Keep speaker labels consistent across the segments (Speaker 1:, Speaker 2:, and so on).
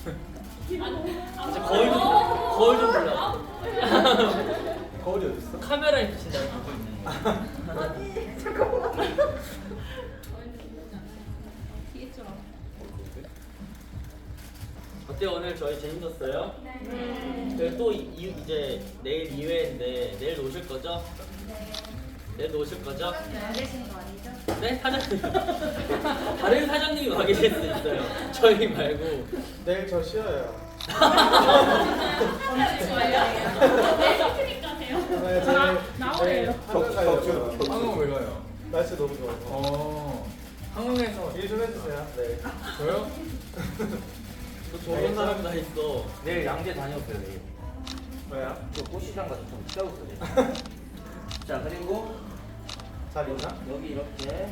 Speaker 1: 이제 거울 좀 보려고.
Speaker 2: 거울이 어디 있어?
Speaker 1: 카메라에 비친다 보고 있네. 어때요? 오늘 저희 재밌었어요?
Speaker 3: 네.
Speaker 1: 저희 또 이제 내일 2회인데 내일 오실 거죠? 내일 오실 거죠?
Speaker 3: 안 계신 거 아니죠?
Speaker 1: 네? 사장님. 다른 사장님이 와 계실 수 있어요. 저희 말고.
Speaker 2: 내일 저 쉬어요.
Speaker 3: 나오래요.
Speaker 2: 한국 왜 가요? 날씨 너무 좋아서.
Speaker 4: 한국에서
Speaker 2: 일 좀 해주세요. 네.
Speaker 4: 저요?
Speaker 1: 또 좋은 사람 다 있어.
Speaker 5: 내일 양재 다녀올게요 내일.
Speaker 2: 뭐야?
Speaker 5: 저 꽃시장 가서 좀 싸웠어요. 자 그리고
Speaker 2: 잘 있나?
Speaker 5: 여기 이렇게.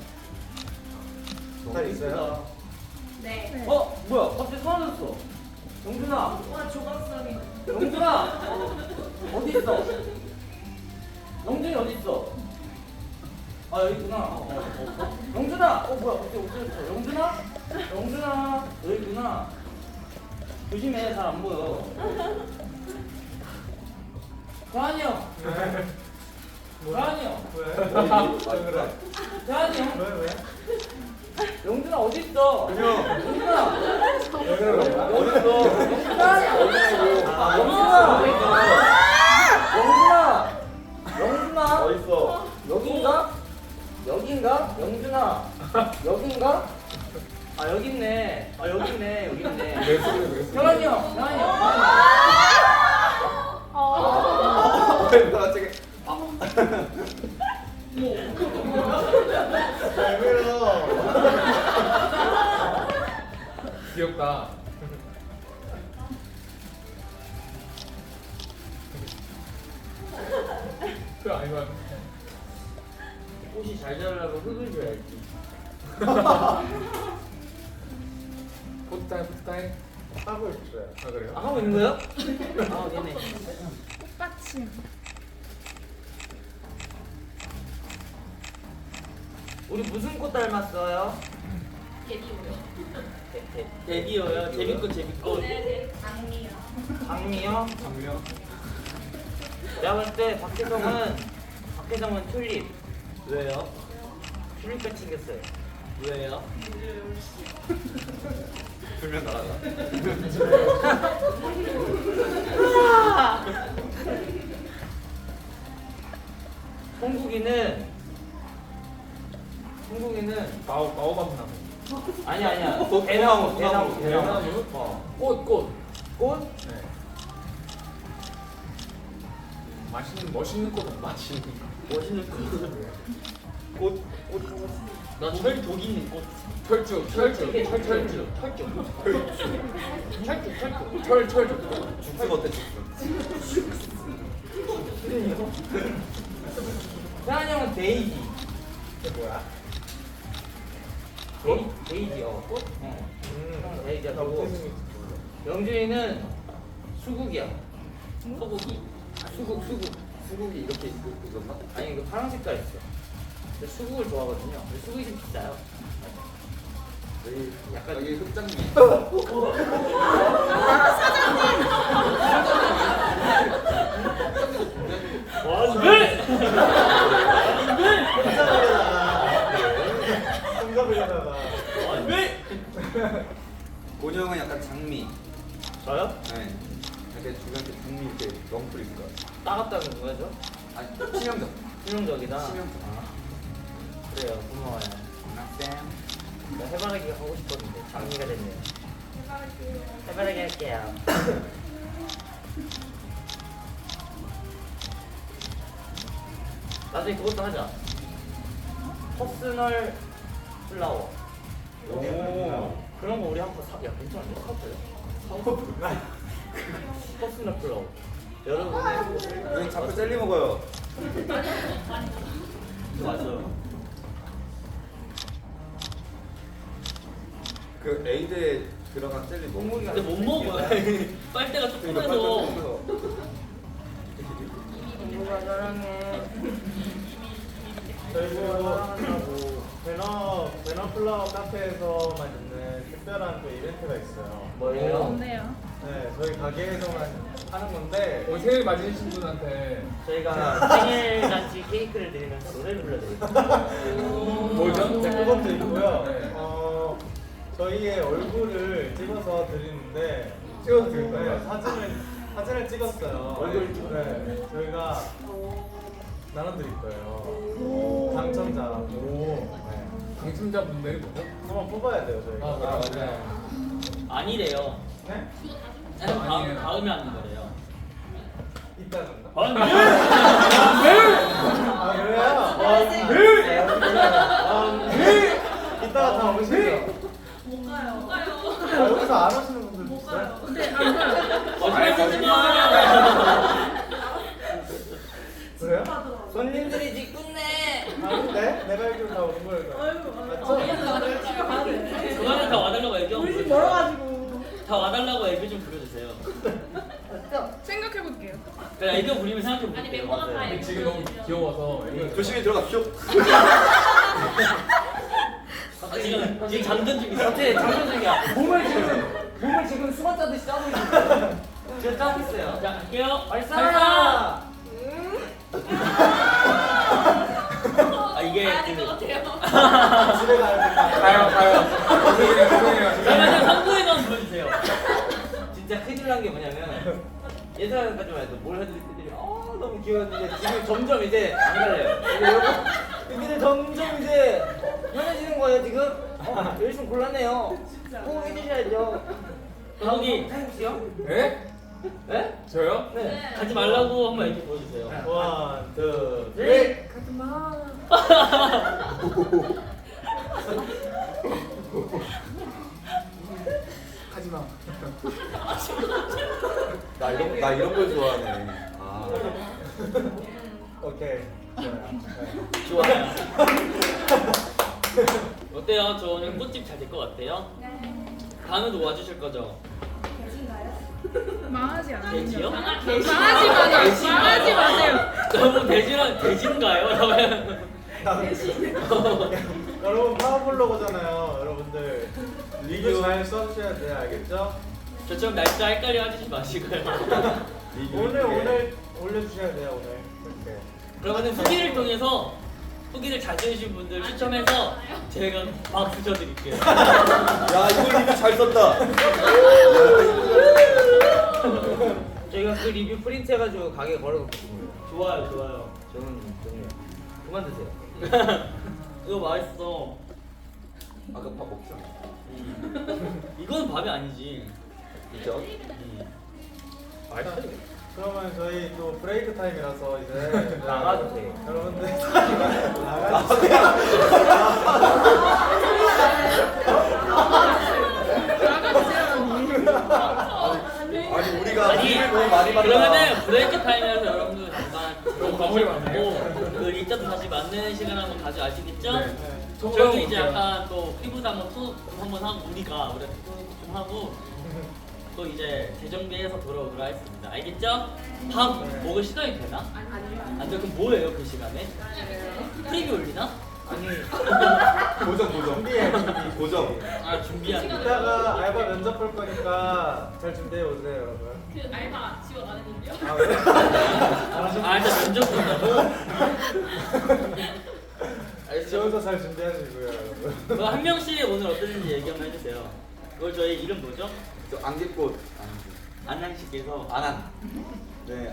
Speaker 2: 잘 있어요?
Speaker 3: 네.
Speaker 5: 어 뭐야? 갑자기 사라졌어. 영준아.
Speaker 3: 와 조각상이.
Speaker 5: 영준아. 어디 있어? 영준이 어디 있어? 아 여기 있구나. 영준아. 뭐야? 갑자기 없어졌어. 영준아. 영준아. 여기 있구나. 조심해. 잘 안 보여. 대한이 형. 대한이 형.
Speaker 2: 왜 그래?
Speaker 5: 대한이 형.
Speaker 2: 왜?
Speaker 5: 영준아 어디 있어? 영준아.
Speaker 2: 왜 그래?
Speaker 5: 어디 있어? 영준아. 영준아.
Speaker 2: 어딨어?
Speaker 5: 여긴가? 여긴가? 영준아. 여긴가? 아 여기 있네. 아 여기 있네. 여기 있네.
Speaker 2: 왜 소리?
Speaker 5: 태환이 형. 태환이 형.
Speaker 2: 왜 갑자기? 왜 그래요?
Speaker 4: 귀엽다. 그 아니면
Speaker 1: 꽃이 잘 자라려고 흙을 줘야지.
Speaker 4: 포타임.
Speaker 2: 하고 있어요.
Speaker 4: 아 그래요?
Speaker 1: 아, 하고 있는 거예요? 아, 네네.
Speaker 3: 꽃받침.
Speaker 5: 우리 무슨 꽃 닮았어요?
Speaker 1: 데뷔어요. 재밌고 재밌고.
Speaker 3: 네네. 장미요.
Speaker 5: 장미요?
Speaker 4: 장미요?
Speaker 5: 내가 볼 때 박혜정은 튤립.
Speaker 1: 왜요?
Speaker 5: 튤립같이 생겼어요.
Speaker 1: 왜요?
Speaker 2: 불면 날아가.
Speaker 5: 홍국이는
Speaker 4: 바오밤 나무.
Speaker 5: 아니야. 대나무.
Speaker 4: 대나무? 꽃.
Speaker 5: 꽃?
Speaker 4: 네. 멋있는 꽃은 맛있는 거.
Speaker 1: 멋있는 꽃.
Speaker 2: 꽃
Speaker 1: 나 철독 있는 꽃.
Speaker 4: 철쭉.
Speaker 1: 철쭉.
Speaker 2: 죽순 어때 죽순?
Speaker 5: 태환이 형은 데이지.
Speaker 2: 이게 뭐야?
Speaker 5: 데이지. 꽃? 형은 데이지야.
Speaker 2: 나
Speaker 5: 그리고
Speaker 2: 어떻게 생겼지 몰라.
Speaker 5: 영준이는 수국이야.
Speaker 1: 소고기.
Speaker 5: 수국이 이렇게 있었나? 아니 이거 파란 색깔 있어. 근데 수국을 좋아하거든요. 근데 수국이 좀 비싸요. 약간
Speaker 4: 여기 흑장미.
Speaker 1: 왜?
Speaker 2: 혼자보려다가
Speaker 1: 왜?
Speaker 6: 본이 형은 약간 장미.
Speaker 1: 저요?
Speaker 6: 네. 약간 주변에 장미 이렇게 넝풀 있을 것 같아.
Speaker 1: 따갑다는 거죠?
Speaker 6: 아니, 치명적.
Speaker 1: 치명적이다.
Speaker 6: 치명적.
Speaker 1: 그래요. 고마워요.
Speaker 6: 쌤.
Speaker 1: 나 해바라기 하고 싶었는데 장미가 됐네요. 해바라기 할게요. 나중에 그것도 하자. 퍼스널 플라워.
Speaker 2: 오.
Speaker 1: 그런 거 우리 한번 야 괜찮은데 사줘요? 퍼스널 플라워. 여러분의 꽃을
Speaker 6: 왜 자꾸 젤리 먹어요?
Speaker 1: 맞아요.
Speaker 6: 그 에이드에 들어간 젤리 먹는
Speaker 1: 근데 못 먹어요. 빨대가 조그매서.
Speaker 5: 누가 사랑해.
Speaker 2: 저희 보고
Speaker 5: 사랑한다고.
Speaker 2: 베너플라워 카페에서만 있는 특별한 또 이벤트가 있어요.
Speaker 5: 뭐예요?
Speaker 3: 뭔데요?
Speaker 2: 네, 저희 가게에서만 하는 건데
Speaker 4: 오늘 생일 맞으신 분한테
Speaker 5: 저희가 생일 잔치 케이크를 드리면서 노래를 불러드릴게요.
Speaker 4: 뭐죠?
Speaker 2: 네, 그것도 있고요.
Speaker 4: 네.
Speaker 2: 저희의 얼굴을 찍어서 드리는데
Speaker 4: 찍어서 드릴까요?
Speaker 2: 네, 사진을 찍었어요.
Speaker 5: 얼굴
Speaker 2: 네, 저희가 나눠드릴 거예요. 당첨자.
Speaker 4: 오.
Speaker 2: 네.
Speaker 4: 당첨자분들이 뭐죠?
Speaker 2: 한번 뽑아야 돼요, 저희가.
Speaker 4: 아, 그래요?
Speaker 5: 아니래요.
Speaker 2: 네?
Speaker 4: 아니에요.
Speaker 5: 다음에 하는 거래요.
Speaker 2: 이따간가?
Speaker 5: 아,
Speaker 2: 아, 그래요? 네. 이따가 다 오시죠.
Speaker 3: 못 가요. 못 가요.
Speaker 2: 아, 여기서 안 오시는 분들도
Speaker 3: 못
Speaker 2: 있어요?
Speaker 3: 가요. 근데 안 가요.
Speaker 2: 그래요?
Speaker 5: 손님들이 직군네.
Speaker 2: 아닌데? 내가 알기로 다 오는 거예요. 맞죠?
Speaker 1: 그거는 다 와달라고 얘기 좀
Speaker 3: 우리 집
Speaker 1: 부르세요.
Speaker 3: 멀어가지고.
Speaker 1: 다 와달라고 얘기 좀 부려주세요.
Speaker 3: 생각해볼게요.
Speaker 1: 그래 애교 부리면 생각해볼게요.
Speaker 3: 아니, 멤버가 다
Speaker 1: 맞아요.
Speaker 3: 애교
Speaker 4: 지금 너무 귀여워서
Speaker 6: 조심히 들어가십시오.
Speaker 1: 지금 장전 중이야.
Speaker 5: 갑자기 장전 중이야. 몸을 지금 수건 짜듯이 짜고 있는데. 지금 짜고 있어요.
Speaker 1: 자 갈게요.
Speaker 5: 발사!
Speaker 1: 아 이게
Speaker 2: 집에 가야 될까?
Speaker 4: 가요. 죄송해요.
Speaker 1: 그러면 한국에만 보여주세요.
Speaker 5: 진짜 큰일 난 게 뭐냐면 예전까지만 해도 뭘 해도 애들이 너무 귀여웠는데 지금 점점 이제 안 갈래요. 애들이 점점 이제 편해지는 거예요 지금. 열심히 골랐네요. 꼭 해주셔야죠.
Speaker 1: 거기
Speaker 5: 혹시요?
Speaker 4: 네?
Speaker 5: 네?
Speaker 4: 저요?
Speaker 5: 네.
Speaker 1: 가지 말라고 한번 얘기 보여주세요.
Speaker 2: 원, 투, 쓰리.
Speaker 5: 네.
Speaker 4: 가지 마.
Speaker 6: 나 이런 걸 좋아하네. 아.
Speaker 2: 오케이. 좋아요.
Speaker 1: 좋아요. 어때요? 저 오늘 꽃집 잘 될 것 같아요? 다음에도 와주실 거죠?
Speaker 3: 망하지 않아요.
Speaker 1: 돼지요?
Speaker 3: 망하지 마세요. 망하지 마세요.
Speaker 1: 너무 돼지인가요?
Speaker 2: 여러분 파워블로거잖아요. 여러분들 리뷰 잘 써주셔야 돼요. 알겠죠?
Speaker 1: 저처럼 날짜 헷갈려 하지 마시고요.
Speaker 2: 오늘 올려주셔야 돼요. 오늘. 이렇게.
Speaker 1: 그러면 후기를 통해서 후기를 잘 들으신 분들 추첨해서 제가 박수 쳐드릴게요.
Speaker 6: 야 이걸 리뷰 잘 썼다.
Speaker 5: 저희가 그 리뷰 프린트해가지고 가게에 걸어놓겠습니다.
Speaker 1: 좋아요, 좋아요.
Speaker 5: 저는 그만 드세요.
Speaker 1: 이거 맛있어.
Speaker 6: 아까 밥 먹자.
Speaker 1: 이건 밥이 아니지.
Speaker 6: 그죠?
Speaker 2: 그러면 저희 또 브레이크 타임이라서 이제
Speaker 5: 나가도 돼요.
Speaker 2: 여러분들 나가도
Speaker 6: 아니 우리가
Speaker 1: 아니,
Speaker 6: 리뷰를 너무 많이 받아.
Speaker 1: 그러면은 브레이크 타임이라서 여러분들 잠깐
Speaker 4: 너무
Speaker 1: 밥을
Speaker 4: 많네요.
Speaker 1: 먹고 그 일자도 다시 맞는 시간 한번 가져가시겠죠?
Speaker 4: 네.
Speaker 1: 저희도 이제 약간 또 피부도 한번 톡 한번 하고 우리가 좀 하고 또 이제 재정비해서 돌아오도록 하겠습니다. 알겠죠? 밥 먹을 시간이 되나?
Speaker 3: 아니요.
Speaker 1: 안 돼. 그럼 뭐예요 그 시간에? 프리뷰 올리나?
Speaker 5: 아니
Speaker 6: 고정.
Speaker 2: 준비해.
Speaker 6: 고정.
Speaker 1: 아 준비하는 거.
Speaker 2: 이따가 알바 면접 볼 거니까 잘 준비해 오세요, 여러분.
Speaker 3: 그 알바 지원 안 했는데요?
Speaker 2: 아 그래?
Speaker 1: 아 일단 면접 본다고?
Speaker 2: 지원서 잘 준비하시고요, 여러분.
Speaker 1: 그거 한 명씩 오늘 어땠는지 얘기 한번 해주세요. 그걸 저희 이름 뭐죠?
Speaker 6: 저 안개꽃.
Speaker 1: 안양씨께서
Speaker 6: 안한. 네.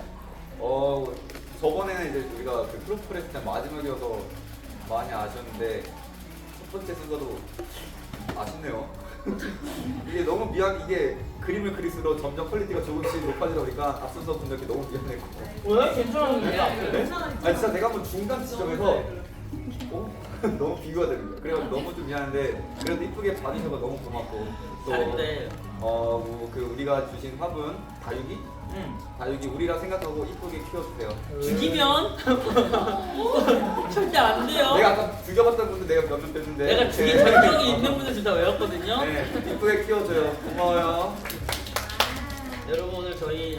Speaker 6: 저번에는 이제 우리가 그 프로포를 했을 때 마지막이어서 많이 아쉬웠는데 첫 번째 순서도 아쉽네요. 이게 너무 이게 그림을 그릴수록 점점 퀄리티가 조금씩 높아지다 보니까 앞선서 분들께 너무 미안했고.
Speaker 5: 왜? 괜찮은데?
Speaker 6: 아니 진짜 내가 한번 중간 지점에서 너무 비교가 되는 거야. 그래서 너무 좀 미안한데 그래도 이쁘게 봐주셔서 너무 고맙고
Speaker 1: 잘했대.
Speaker 6: 그 우리가 주신 화분 다육이?
Speaker 1: 응.
Speaker 6: 다육이 우리라 생각하고 이쁘게 키워주세요.
Speaker 1: 죽이면 절대 안 돼요.
Speaker 6: 내가 아까 죽여봤던 분들 내가 몇 명 뺐는데
Speaker 1: 내가 죽인 전적이 있는 분들 진짜 외웠거든요.
Speaker 6: 네, 이쁘게 키워줘요. 고마워요.
Speaker 1: 여러분 오늘 저희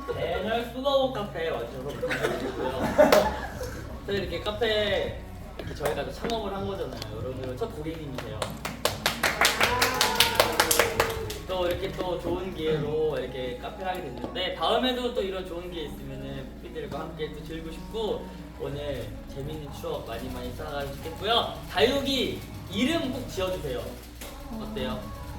Speaker 1: 배널 수거원 카페에 와주셔서 감사드리고요. 저희 이렇게 카페 이렇게 저희가 또 창업을 한 거잖아요. 여러분 첫 고객님이세요. 또 이렇게 또 좋은 기회로 이렇게 카페를 하게 됐는데 다음에도 또 이런 좋은 기회 있으면은 삐삐들과 함께 또 즐기고 싶고 오늘 재밌는 추억 많이 쌓아가면 좋겠고요. 다육이 이름 꼭 지어주세요. 어때요?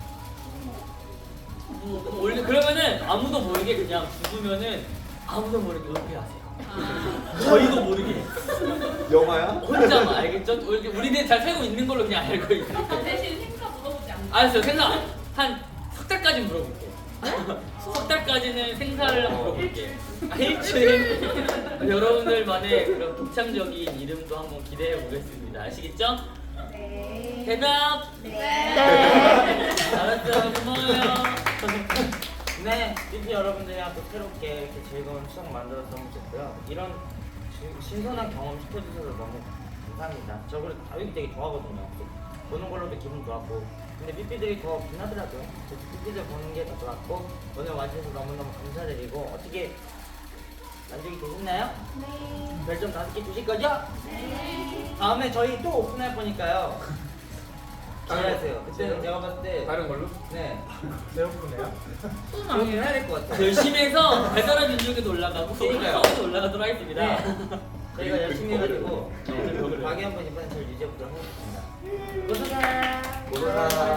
Speaker 1: 원래 그러면은 아무도 모르게 그냥 죽으면은 아무도 모르게 은폐하세요. 저희도 모르게
Speaker 6: 영화야?
Speaker 1: 혼자만 알겠죠? 우리는 잘 살고 있는 걸로 그냥 알고 있으니까.
Speaker 3: 대신 행사 물어보지 않나?
Speaker 1: 알았어요. 생사 한 석 달까지 물어볼게. 석 달까지는 생사를 물어볼게. 일주일. 여러분들만의 그런 독창적인 이름도 한번 기대해 보겠습니다. 아시겠죠?
Speaker 3: 네.
Speaker 1: 대답.
Speaker 3: 네.
Speaker 1: 알았어요. 고마워요.
Speaker 5: 네, 삐삐 여러분들이랑 또 새롭게 이렇게 즐거운 추억 만들어서 너무 좋고요. 이런 신선한 경험 시켜주셔서 너무 감사합니다. 저 그래도 다육이 되게 좋아하거든요. 보는 걸로도 기분 좋았고. 근데 삐삐들이 더 빛나더라고요. 그래서 삐삐들 보는 게 더 좋았고 오늘 와주셔서 너무너무 감사드리고 어떻게 만족이 되셨나요?
Speaker 3: 네.
Speaker 5: 별점 5개 주실 거죠?
Speaker 3: 네.
Speaker 5: 다음에 저희 또 오픈할 거니까요. 기대하세요. 그때는
Speaker 4: 다른-
Speaker 5: 제가 봤을 때
Speaker 4: 다른 걸로?
Speaker 5: 네,
Speaker 4: 배고프네요.
Speaker 5: 그렇게 해야 될 것 같아요.
Speaker 1: 열심히 해서 배달의 민족에도 올라가고
Speaker 5: 그러니까요.
Speaker 1: 서울에도 올라가도록 하겠습니다.
Speaker 5: 네. 저희가 열심히 해가지고
Speaker 1: 네.
Speaker 5: 가게 한번 이번에 잘 유지해보도록 하겠습니다. 고생하.
Speaker 6: 고생하.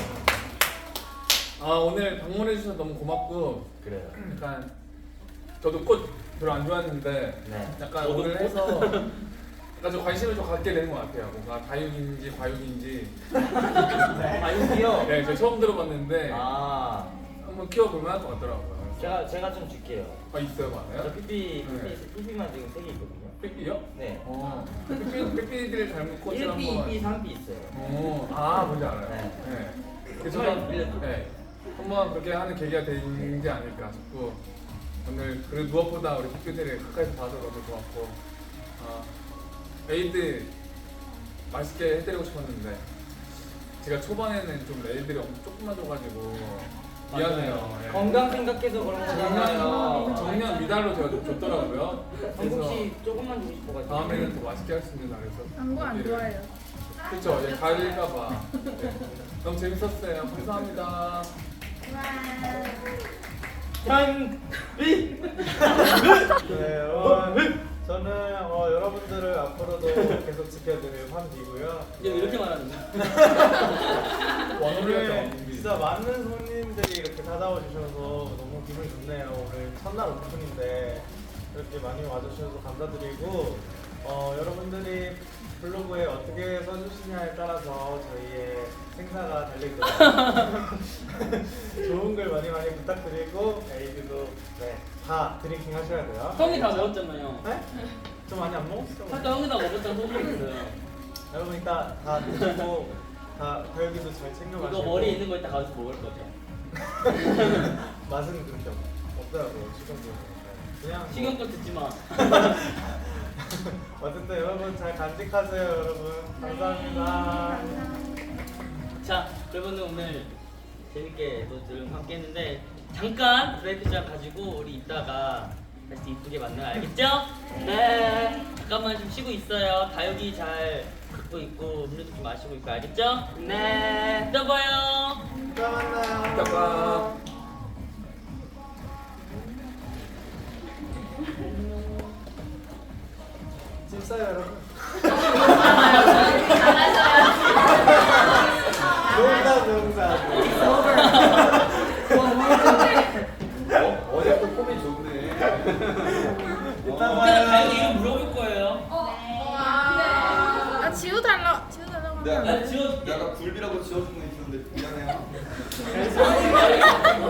Speaker 4: 아 오늘 방문해 주셔서 너무 고맙고
Speaker 5: 그래요.
Speaker 4: 약간 저도 꽃 별로 안 좋아했는데
Speaker 5: 네.
Speaker 4: 약간
Speaker 1: 저도
Speaker 4: 오늘 해서 약간 좀 관심을 좀 갖게 되는 것 같아요. 뭔가 다육인지 과육인지.
Speaker 5: 아육이요?
Speaker 4: 네, 제가 처음 들어봤는데
Speaker 5: 아,
Speaker 4: 한번 키워볼만 할 것 같더라고요.
Speaker 5: 제가 좀 줄게요.
Speaker 4: 아 있어요,
Speaker 5: 저
Speaker 4: 많아요?
Speaker 5: 삐삐만 지금 3개 있거든요.
Speaker 4: 삐삐요?
Speaker 5: 네.
Speaker 4: 삐삐들 닮은 꽃을
Speaker 5: 1삐,
Speaker 4: 한번.
Speaker 5: 2삐, 3삐 있어요.
Speaker 4: 아 뭔지 알아요.
Speaker 5: 네.
Speaker 4: 네. 그래서
Speaker 5: 정말 밀려줘.
Speaker 4: 네. 한번 그렇게 하는 계기가 되지 않을까 싶고 오늘 그래도 무엇보다 우리 삐삐들을 가까이서 봐서 너무 좋았고 에이드 맛있게 해드리고 싶었는데 제가 초반에는 좀 애들이 엄청 조금만 줘가지고 미안해요. 예.
Speaker 5: 건강 생각해서 그런 거잖아요.
Speaker 4: 정년 미달로 제가 좀 줬더라고요.
Speaker 5: 정국
Speaker 4: 그래서
Speaker 5: 씨 조금만 주고 싶어가지고.
Speaker 4: 다음에는 더 맛있게 할 수 있는 날에서
Speaker 3: 광고 안 좋아해요.
Speaker 4: 그쵸, 예, 가을일까봐. 네. 너무 재밌었어요. 감사합니다.
Speaker 5: 짠!
Speaker 2: 네, 저는 여러분들을 앞으로도 계속 지켜드릴 환비고요.
Speaker 1: 이제 이렇게 말하는 거야?
Speaker 2: 오늘 진짜 많은 손님들이 이렇게 찾아와 주셔서 너무 기분이 좋네요. 오늘 첫날 오픈인데 이렇게 많이 와주셔서 감사드리고 여러분들이 블로그에 어떻게 써주시냐에 따라서 저희의 생사가 달릴 거예요. 좋은 글 많이 부탁드리고 에이드도 다 드링킹 하셔야 돼요.
Speaker 1: 형이 다 먹었잖아요.
Speaker 2: 네? 저 많이 안 먹었어요.
Speaker 1: 아까 형이 다 먹었다는 소문이 있어요.
Speaker 2: 여러분 이따 다 드시고 다 다육이도 잘 챙겨 마시고
Speaker 1: 이거 머리 있는 거 이따 가서 먹을 거죠.
Speaker 2: 맛은 그렇게 없더라고요. 식용도 그냥 뭐-
Speaker 1: 식용껏 듣지 마.
Speaker 2: 어쨌든 여러분 잘 간직하세요. 여러분 감사합니다.
Speaker 1: 자, 여러분들 오늘 재밌게 또 지금 함께 했는데 잠깐 브레이크 시간 가지고 우리 이따가 다시 이쁘게 만나요. 알겠죠? 네. 잠깐만 좀 쉬고 있어요. 다육이 잘 걷고 있고 음료도 좀 마시고 있고 알겠죠? 네. 이따 봐요.
Speaker 2: 이따 만나요.
Speaker 4: 이따 봐.
Speaker 2: 짐 싸요 여러분. 농담.
Speaker 6: 어제 또 코미 좋네.
Speaker 2: 이따
Speaker 1: 이따가
Speaker 2: 봐요.
Speaker 1: 다육이 이름 물어볼 거예요.
Speaker 3: 아 지워달라고
Speaker 1: 나
Speaker 3: 하면
Speaker 1: 지워줄게.
Speaker 6: 내가 굴비라고 지어준 거 있었는데 미안해요.